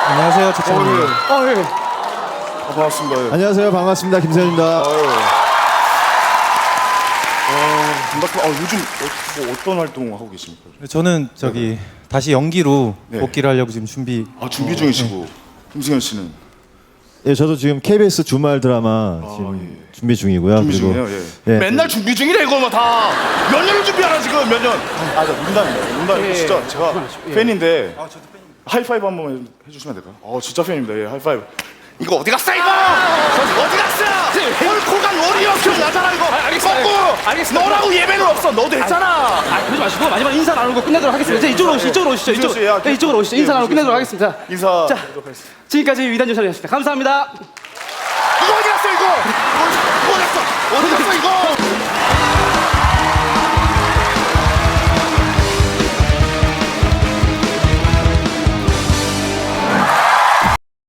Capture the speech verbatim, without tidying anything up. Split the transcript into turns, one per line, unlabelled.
안녕하세요, 최찬입니다.
어, 예.
아, 반갑습니다. 예.
안녕하세요. 반갑습니다. 김세현입니다.
아유. 아, 반갑습니다. 아, 요즘 어, 뭐 어떤 활동 하고 계십니까?
저는 저기 다시 연기로
네.
복귀를 하려고 지금 준비.
아, 준비 중이시고. 김승현 씨는
예, 저도 지금 케이비에스 주말 드라마 지금
예.
준비 중이고요.
준비
그리고
중이에요. 예.
예.
맨날 준비 중이래 이거 뭐 다. 몇 년을 준비하나 지금 몇 년? 아, 저 농담입니다. 농담.
예,
진짜
예.
제가
예.
팬인데. 아, 저도 팬입니다. 하이파이브 한번 해주시면 안 될까요? 어, 진짜 팬입니다. 예, 하이파이브. 이거 어디 갔어 이거? 어디 갔어? 홀코간 워리어 기억나잖아 이거.
아, 알겠습니다.
꺾고.
알겠습니다.
너라고 예배는 없어. 너도 했잖아.
아, 그러지 마시고 마지막 인사 나누고 끝내도록 하겠습니다. 이제 이쪽으로 오시죠. 이쪽으로 오시죠.
김수현 씨, 야,
이쪽, 네, 이쪽으로 오시죠. 인사
예,
나누고 끝내도록 하겠습니다.
인사.
자, 지금까지 위단 조사였습니다. 감사합니다.
이거 어디 갔어 이거? 어디 갔어? 어디 갔어 이거?